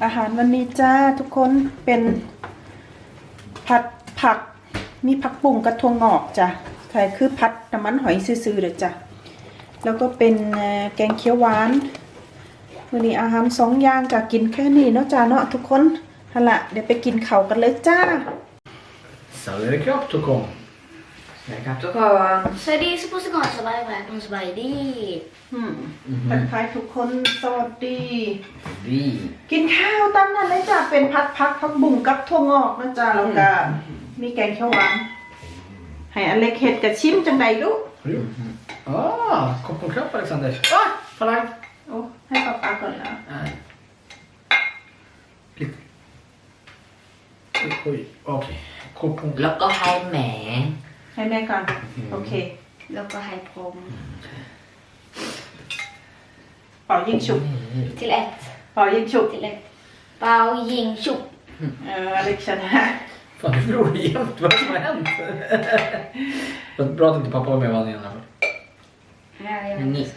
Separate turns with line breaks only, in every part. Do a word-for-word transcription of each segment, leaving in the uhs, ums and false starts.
อาหารวันนี้จ้าทุกคนเป็นผัดผักมีผักบุ้งกระทงงอกจ้ะใครคือผัดน้ำมันหอยซื่อๆเด้อจ้ะแล้วก็เป็นแกงเขียวหวานวันนี้อาหารสองอย่างจ้ะกินแค่นี้เนาะจ้าเนาะทุกคนฮะละเดี๋ยวไปกินข้าวกันเลยจ้า
Sauerkraut och kom.
Sauerkraut och korn. Så det är så på sig så bara välkommen så bara det.
อืมทักทายทุกคนสวัสดี
Vi.
กินข้าวตั้งนั้นเลยจ้ะเป็นผัดผักผักบุ้งกับถั่วงอกนะจ้าแล้วก็มีแกงเขียวหวานให้อเล็กเฮ็ดกับชิมจังใดลูก
Ah, kom på kropp Alexander. Ah, falang.
โอ้ให้ป๊าป๊าก่อนนะ
Nej. Lite. Oj, oj. Okej. Kom på.
แล้วก็ให้แหม
ให้แม่ก่อนโอเค
แล้วก็ให้ผม
เป่ายิงฉุบ
till ett
เป่ายิงฉุบ
till ett เปายิงฉุบ
เอออเล็กชนะ
Fan, du förlorar jämt. Vad som har hänt? Vad bra att inte pappa var med och vann igen.
Ja, jag vet inte.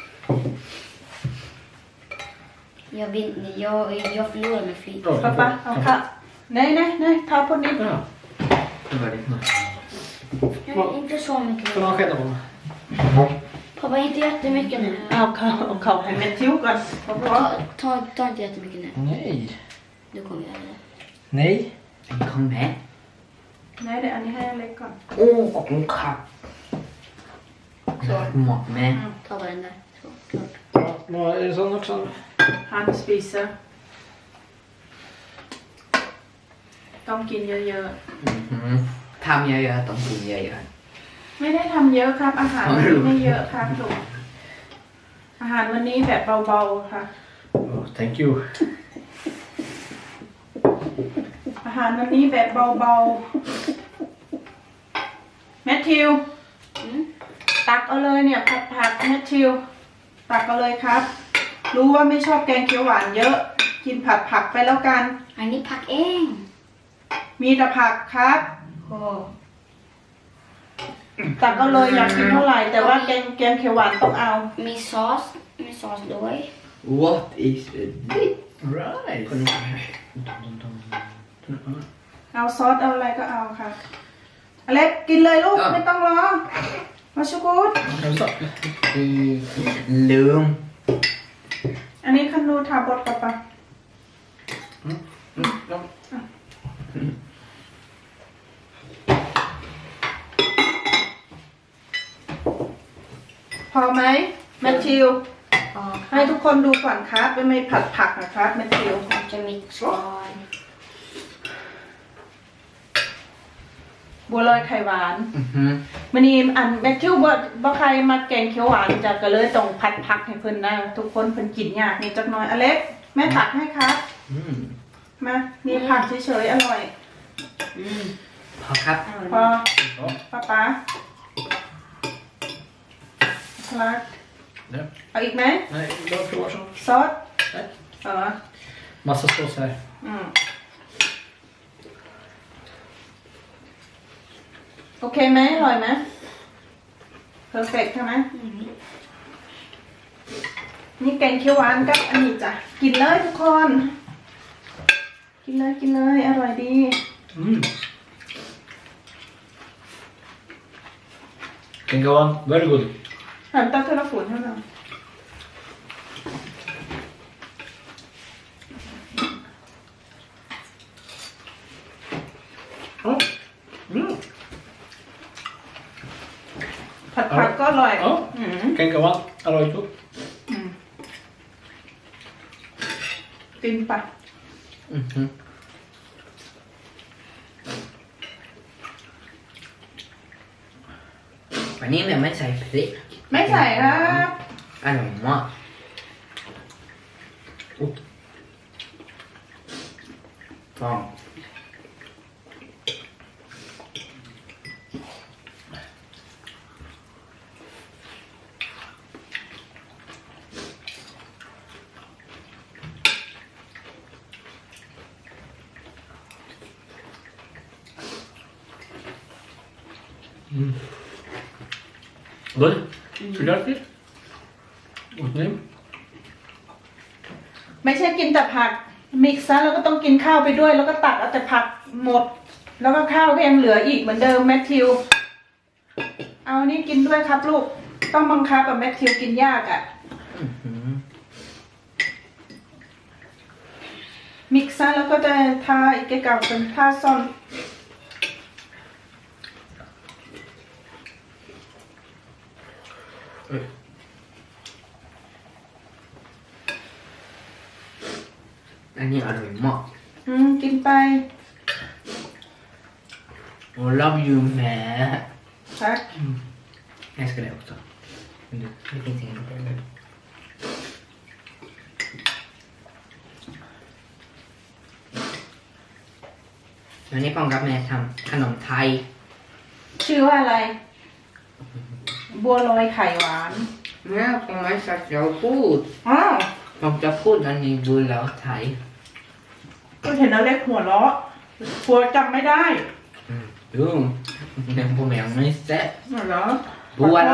Jag vinner, jag, jag förlorar med flit.
ป๊าป๊าเอาค่ะnej nej nej ta på nytt
Ja. Det var ditt nu.
Nej, inte så mycket.
Får man skälla på mig?
Pappa, inte jättemycket nu.
เอาเขาเอาเขาให้แม่ทิวก่อนป๊าป๊า
Ta, ta, ta inte jättemycket nu.
Nej.
Du kommer göra det.
Nej.
Kom med.
nej เดี๋ยวอันนี้ให้อเล็กก่อน
Åh, och en katt. Så. Mat med. Ta bara den där. Så, klart.
Ja, vad är det sån också?
Han spiser ต้องกินเยอะ
Mm. ทำเยอะๆต้องกินเยอะ
ๆไม่ได้ทำเยอะครับอาหารวันนี้ไม่เยอะครับลูกอาหารวันนี้แบบเบาๆค่ะ
Oh, thank you.
อาหารวันนี้แบบเบาๆแมทธิว
ๆอืม
ตักเอาเลยเนี่ยผัดผักแมทธิวตักเอาเลยครับ รู้ว่าไม่ชอบแกงเขียวหวานเยอะ กินผัดผักไปแล้วกัน
อันนี้ผักเอง
มีแต่ผักครับ
โอ้
ตักเอาเลยอยากกินเท่าไหร่แต่ว่าแกงแกงเขียวหวานต้องเอา
มีซอสมีซอสด้วย
What is it?
Right.
เอาซอสเอาอะไรก็เอาค่ะอเล็กกินเลยลูกไม่ต้องรอมาชูกูด
Hälsa.
ลืม
อันนี้คันนูทาบดปะปะ
Mm. Mm. Ja.
พอไหมแมทธิว
อ๋อ
ให้ทุกคนดูก่อนครับไม่ไม่ผัดผักนะครับแมทธิว
มันจะมีซอส
บัวลอยไข่หวาน
Mhm.
มันนี่อันแมทธิวบ่บ่ใครมาแกงเขียวหวานจะก็เลยต้องผัดผักให้เพิ่นนะทุกคนเพิ่นกินยากนี่จักหน่อยอเล็กแม่ตักให้ครับ
Mm.
มานี่ผักเฉยๆอร่อย
อืม
พอครับ
พอ
Ja.
ป้าป๊าคลัก
Ja.
เอาอีกไหม
Nej, jag provar så.
ซอส
Nej.
เออ
Massa sås här.
อืมโอเคไหมอร่อยไหมเพอร์เฟกใช่ไหม
อืม
นี่แกงเขียวหวานกับอันนี้จ้ะกินเลยทุกคน กินเลยกินเลยอร่อยดี
Mm. Can go on. Very good.
หันตาเทเลฝุ่นให้เรา
Oh. Mm.
ผัดผักก็อร่อย
Ja.
อืม
Can go on. Alright.
อืมกินปะ
Mhm. วันนี้เนี่ยไม่ใส่พริก
ไม่ใส่ครับ
อร่อยมากอุ๊ยฟอง
Mm. Good. Should I eat? What's name?
ไม่ใช่กินแต่ผักมิกซ์ซะแล้วก็ต้องกินข้าวไปด้วย แล้วก็ตักเอาแต่ผักหมด แล้วก็ข้าวก็ยังเหลืออีกเหมือนเดิมแมทธิว เอานี่กินด้วยครับลูก ต้องบังคับอะแมทธิวกินยากอะ
อื้อหือ
มิกซ์ซะแล้วก็จะทาอีกเก่าเป็นทาซอน
อันนี้อร่อยมาก
อืมกินไป
Och love you med.
ครับ
Jag ska det också. Men det, det finns ingen problem. วันนี้ป้องกับแม่ทำขนมไทย
ชื่อว่าอะไร บัวลอยไข่หวาน
แม่ป้องไม่สักจะพูด
อ้าว
ผมจะพูดอันนี้ดูแล้วไทย
ก็เห็นแล้วเล็กหัวเราะกลัวจำไม่ได้
ดูแม่ผมยังไม่เสร็จ
เหรอ
บัวเรา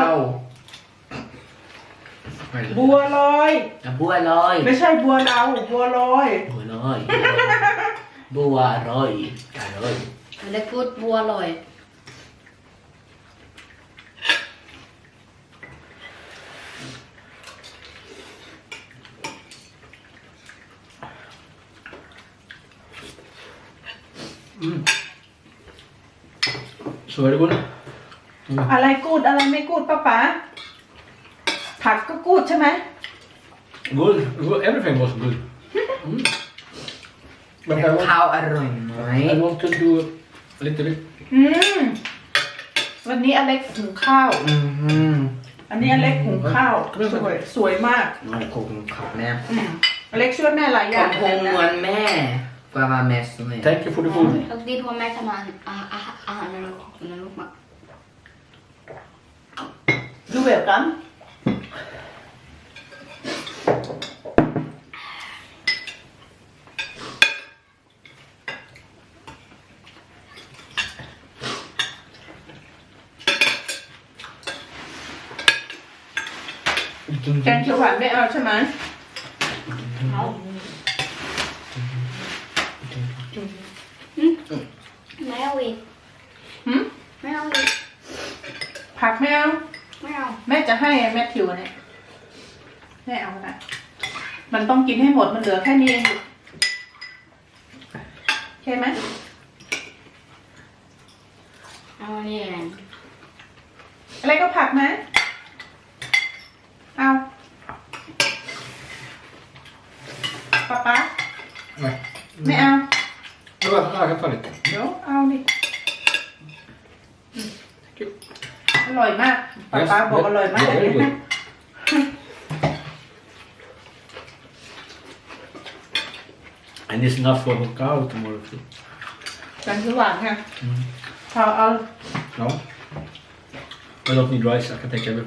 บัวลอย
บัวลอย
ไม่ใช่บัวเราบัวลอย
บัวลอยบัวลอยอร่อย
เล็กพูดบัวลอย
Mm. Så är det gott. Mm.
อะไรกูดอะไรไม่กูดป้าป๋าผักก็กูดใช่ไหม
Good. Good. Everything was good. Mm. But I
แต่
want,
ข้าวอร่อยไหม
I want to do a little bit.
อืมวันนี้อเล็กหุงข้าว
อืม
อันนี้อเล็กหุงข้าวสวยสวยมาก
น้องคงขับแม่
อืมอเล็กช่วยแม่หลายอ
ผ
ย่าง
มคงเหมือนแม่กว่าแม่สวย
Thank you for the food.
Och det var med som han han när de när de var
ดูเวลกัน แกงเขียวหวานไม่เอาใช่ไหม
ไม่เอาอีก
หืม
ไม่เอาอีก
ผักไม่เอา
ไม่เอา
แม่จะให้แม่ทิวเนี่ยแม่เอานะมันต้องกินให้หมดมันเหลือแค่นี้เองใช่ไหม
เอานี่เอง
อะไรก็ผักนะเอาป๊าป๊า
Nej.
ไม่เอา
Det var, ja, jag kan ta lite.
เดี๋ยวเอาดิอร่อยมากป๊าป๊าบอกอร่อยมาก
Yeah, very good. And it's enough for a cow tomorrow too.
แกงเขียวหวานค่ะ
Mm.
พอเอา
No. I don't need rice. I can take everything.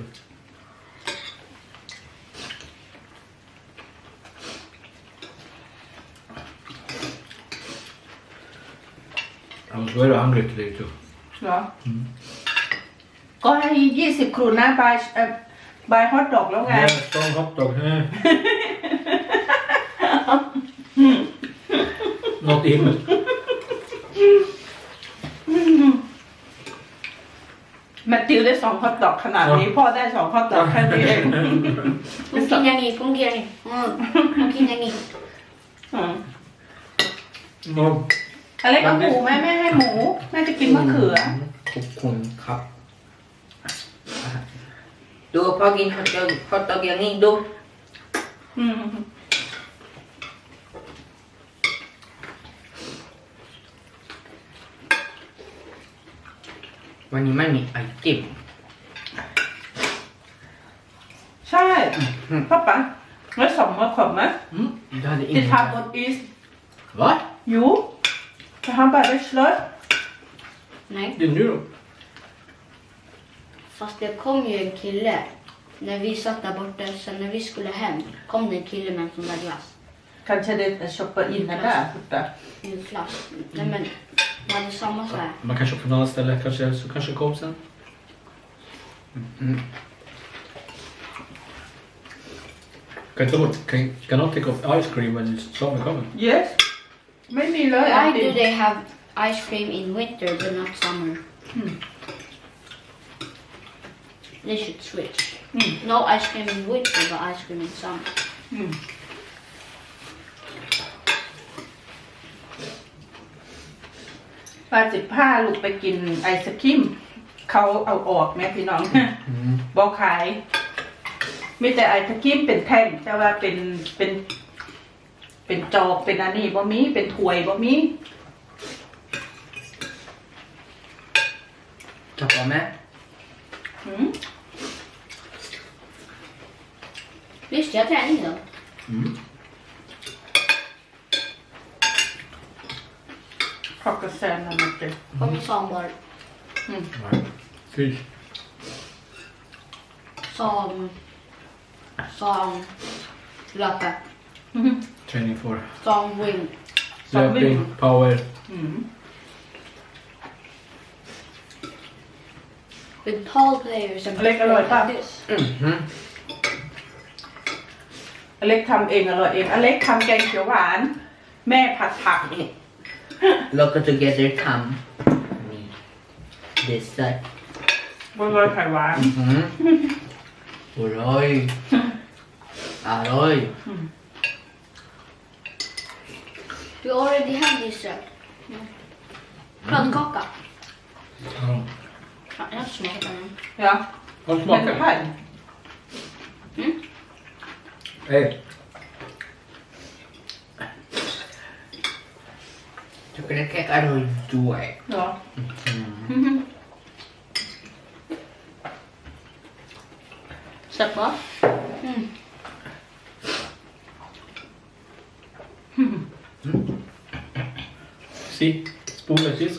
I was very hungry today too.
เหรอก็ให้ยี่สิบครูนะบายเอ่อบายฮอตดอกแล้วไง
Yeah, strong hot dog. Eh. Not even.
แมทธิวได้สองฮอตดอกขนาดนี้ พ่อได้สองฮอตดอกแค่นี้เอง
กูกินอย่างนี้กูกินอย่างนี้อืมกูกินอย่างนี้
อืม
No.
อะไรก็หมูแม่แม่ให้หมูแม่จะกินมะเขือ
ขอบคุณครับดูพอกินฮอตดอกฮอตดอกอย่างนี้ดู
อืม
วันนี้ไม่มีไอติม
ใช่พ่อป๋าแล้วสองมะขบไหม
Mm.
Du hade
Det
ingen
tar bort is
Va?
Jo det har bara slött
Nej,
Det är nu då?
fast det kom ju en kille när vi satt där borta. Sen när vi skulle hem kom det en kille med en sån där glass.
Kanske det stoppar in den där borta.
I en flask. Nej men, det hade samma så här.
Man kan köpa på något annat ställe. Kanske, så kanske kom sen.
Mm.
Kan, ta bort, kan, kan not take off ice cream when it's summer coming?
yes ไม่มีเลยไอ
Why
ติ
do
ม
they have ice cream in winter but not summer?
Hmm.
They should switch.
Hmm.
No ice cream in winter but ice cream in summer.
อืมปาสิบห้าลูกไปกินไอศครีมเขาเอาออกแม่พี่น้อง
Mm.
บอกขายมีแต่ไอศครีมเป็นแท่งแต่ว่าเป็นเป็น เป็นจอกเป็นอันนี้บ่มีเป็นถ้วยบ่มี
Ta på med.
หืม
Visst, jag träning då.
Mm.
ขอบกระแซนนะมันเป็น
Kommer sambar.
Nej. Fish.
Som... Som... Löpe.
Training for
Som wing.
löpning, power.
อืม
With tall players and
Like a lot,
like
huh?
this.
Mm-hmm.
อเล็กทำเองอร่อยเองอเล็กทำแกงเขียวหวาน แม่ผัดผัก
Look together come. Me. This side.
บัวลอยไข่หวาน
Mm-hmm. Oj. Oj.
We already have this set. Kladdkaka.
Ja.
Ja, jag smakar den.
เนาะ
Vad
แม่จะ
smakar
ผัด
Mm.
Hej.
Tycker det är ojด้วย
เนาะ
Mm.
แซ่บปะ
Mm.
See? Spoon like this.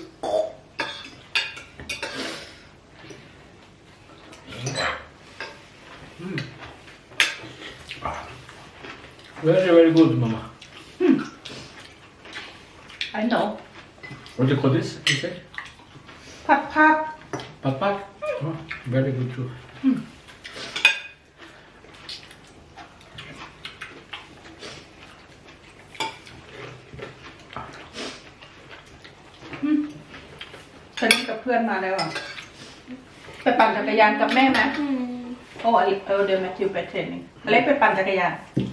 Mm. Very, very good, Mama.
I know
What do you call this? You say?
ผัดผัก
Pat pak? Oh, very good too.
Hmm. ฉันกับเพื่อนมาแล้วอ่ะไปปั่นจักรยานกับแม่ไหม
Mm.
โอ้อเล็กเออเดี๋ยวแมทธิวไปเทรนนิ่งอเล็กไปปั่นจักรยาน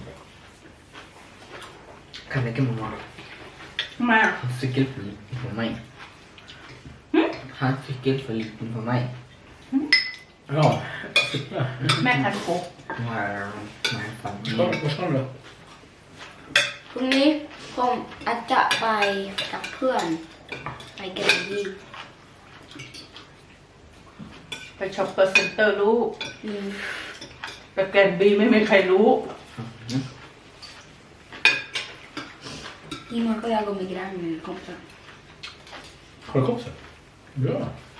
Kan inte mamma.
มา
Han cykel för liten för mig.
Mm.
Han cykel för liten för mig.
Ja.
แม่คันโคก
Wow. Nej, fan.
Vad vad ska du då?
พรุ่งนี้ผมอาจจะไปกับเพื่อนไปแกรนดี้
ไปช็อปเปอร์เซ็นเตอร์รู้
อืม
ไปแกรนบีไม่มีใครรู้
Imorgon får jag gå med grannkompisar.
Har du kompisar? Bra.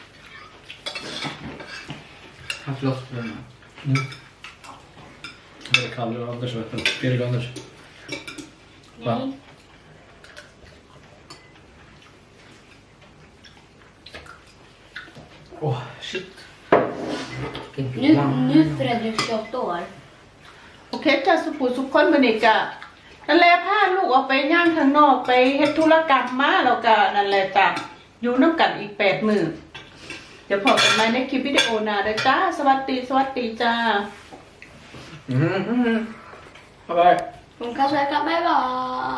Han slåss för mig.
Mm. Det är Kalle och Anders vet du. Erik och Anders. Va?
Nej.
Åh, oh, shit.
Nu, nu Fredrik tjugoåtta år.
โอเคจ้าสุขุสุขคนบันิกะนั่นแหละพาลูกออกไปย่างข้างนอกไปเฮ็ดธุรกรรมมาแล้วก็นั่นแหละจ้ะอยู่น้ำกันอีกแปดมื้อเดี๋ยวพอกันใหม่ในคลิปวิดีโอหน้าเด้อจ้าสวัสดีสวัสดีจ้า
Mm-hmm.
Bye bye.
Hon kan säga bye bye.